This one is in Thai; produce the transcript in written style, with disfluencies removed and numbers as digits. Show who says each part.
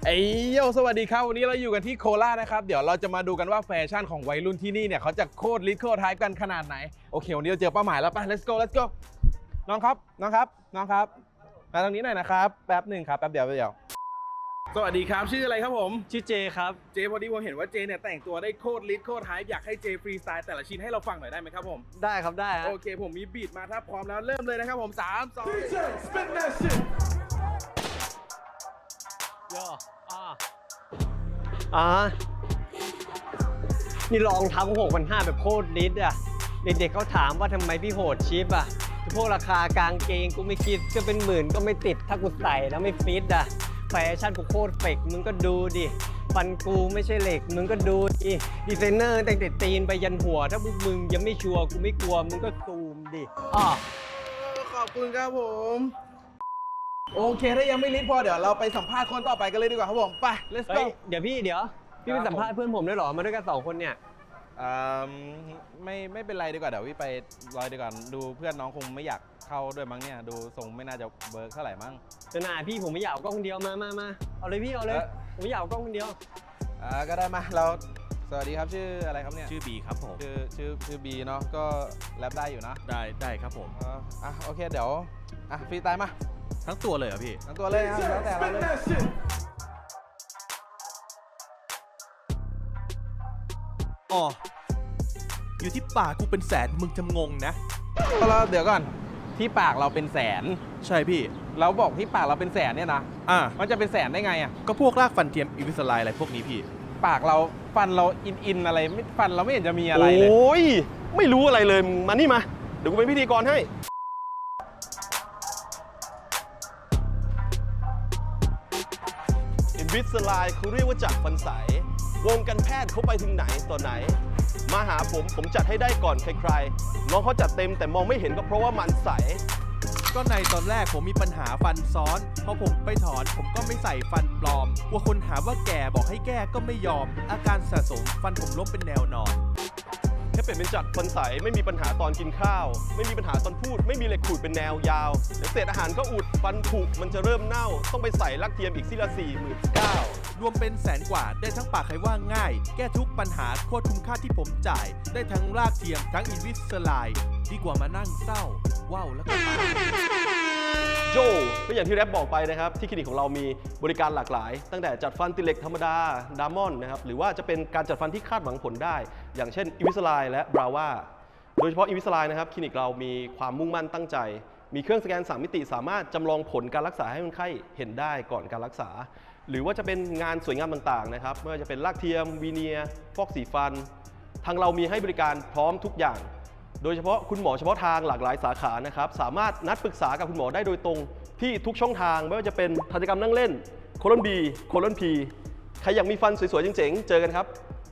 Speaker 1: โยสวัสดีครับวันนี้เราอยู่กันที่โคราชนะครับเดี๋ยวเราจะมาดูกันว่าแฟชั่นของวัยรุ่นที่นี่เนี่ยเขาจะโคตรลิทโคตรไฮป์กันขนาดไหนโอเควันนี้เราเจอเป้าหมายแล้วไป let's go น้องครับมาทางนี้หน่อยนะครับแป๊บหนึ่งครับแป๊บเดียวสวัสดีครับชื่ออะไรครับผม
Speaker 2: ชื่อเจครับ
Speaker 1: เจพอดีผมเห็นว่าเจเนี่ยแต่งตัวได้โคตรลิทโคตรไฮป์อยากให้เจฟรีสไตล์แต่ละชิ้นให้เราฟังหน่อยได้ไหมครับผม
Speaker 2: ได้ครับได้
Speaker 1: โอเคผมมีบีทมาถ้าพร้อมแล้วเริ่มเลยนะครับผม3 2 spin that shit
Speaker 2: ย่อนี่ลองทำ6,500แบบโคตรลิตอ่ะเด็กๆเขาถามว่าทำไมพี่โหดชิปอ่ะพวกราคากางเกงกูไม่คิดก็เป็นหมื่นก็ไม่ติดถ้ากูใส่แล้วไม่ฟิตอ่ะแฟชั่นกูโคตรเฟกมึงก็ดูดิฟันกูไม่ใช่เหล็กมึงก็ดูดิดีไซเนอร์ตั้งแต่ตีนไปยันหัวถ้าพวกมึงยังไม่ชัวร์กูไม่กลัวมึงก็ซูมดิ
Speaker 1: ขอบคุณครับผมโอเคถ้ายังไม่ลิสต์พอเดี๋ยวเราไปสัมภาษณ์คนต่อไปกันเลยดีกว่าครับผมไป let's go
Speaker 2: เดี๋ยวพี่ไปสัมภาษณ์เพื่อนผมด้วยเหรอมาด้วยกัน2คนเนี่ย
Speaker 1: ไม่เป็นไรดีกว่าเดี๋ยวพี่ไปรอยดีกว่าดูเพื่อนน้องคงไม่อยากเข้าด้วยมั้งเนี่ยดูทรงไม่น่าจะเบิร์กเท่าไหร่มั้ง
Speaker 2: จะหนาพี่ผมไม่อยากกล้องคนเดียวมาเอาเลยพี่เอาเลยผมไม่อยากกล้องคนเดียว
Speaker 1: ก็ได้มาเราสวัสดีครับชื่ออะไรครับเนี่ย
Speaker 3: ชื่อบีครับผม
Speaker 1: ชื่อบีเนาะก็แรปได้อยู่นะ
Speaker 3: ได้ครับผม
Speaker 1: โอเคเดี๋ยวฟรีสไตล์มา
Speaker 3: ทั้งตัวเลยเหรอพี่
Speaker 1: ทั้งตัวเลยครับแล้วแต่เราเลย
Speaker 3: อ๋ออยู่ที่ปากกูเป็นแสนมึงจะงงนะ
Speaker 1: เราเดี๋ยวก่อนที่ปากเราเป็นแสน
Speaker 3: ใช่พี่
Speaker 1: เราบอกที่ปากเราเป็นแสนเนี่ยนะมันจะเป็นแสนได้ไง
Speaker 3: ก็พวกรากฟันเทียมอิวิสไลอะไรพวกนี้พี่
Speaker 1: ปากเราฟันเราอินอะไรไม่ฟันเราไม่เห็นจะมีอะไรเลย
Speaker 4: โอ้ยไม่รู้อะไรเลยมานี่มาเดี๋ยวกูเป็นพิธีกรให้อินวิสไลเขาเรียกว่าจักรฟันใสวงการแพทย์เขาไปถึงไหนต่อไหนมาหาผมจัดให้ได้ก่อนใครๆน้องเขาจัดเต็มแต่มองไม่เห็นก็เพราะว่ามันใส
Speaker 3: ก็ในตอนแรกผมมีปัญหาฟันซ้อนพอผมไปถอนผมก็ไม่ใส่ฟันปลอมกลัวคนหาว่าแก่บอกให้แก้ก็ไม่ยอมอาการสะสมฟันผมล้มเป็นแนวนอน
Speaker 4: แค่เปลี่ยนเป็นจัดฟันใสไม่มีปัญหาตอนกินข้าวไม่มีปัญหาตอนพูดไม่มีเหล็กขูดเป็นแนวยาวเดี๋ยวเศษอาหารก็อุดฟันผุมันจะเริ่มเน่าต้องไปใส่ลักเทียมอีกซี่ละ49,000
Speaker 3: รวมเป็นแสนกว่าได้ทั้งปากใครว่าง่ายแก้ทุกปัญหาโคตรคุ้มค่าที่ผมจ่ายได้ทั้งรากเทียมทั้งอินวิสไลดีกว่ามานั่งเศร้าว้าวแล้วก็
Speaker 4: โจก็อย่างที่แรปบอกไปนะครับที่คลินิกของเรามีบริการหลากหลายตั้งแต่จัดฟันติเล็กธรรมดาดามอนนะครับหรือว่าจะเป็นการจัดฟันที่คาดหวังผลได้อย่างเช่นอิวิสไลและบราวาโดยเฉพาะอิวิสไลนะครับคลินิกเรามีความมุ่งมั่นตั้งใจมีเครื่องสแกน3มิติสามารถจำลองผลการรักษาให้คนไข้เห็นได้ก่อนการรักษาหรือว่าจะเป็นงานสวยงามต่างๆนะครับไม่ว่าจะเป็นรากเทียมวีเนียร์ฟอกสีฟันทางเรามีให้บริการพร้อมทุกอย่างโดยเฉพาะคุณหมอเฉพาะทางหลากหลายสาขานะครับสามารถนัดปรึกษากับคุณหมอได้โดยตรงที่ทุกช่องทางไม่ว่าจะเป็นทันตกรรมนั่งเล่นโคลอนบีโคลอนพีใครอยากมีฟันสวยๆเจ๋งๆเจอกันครับ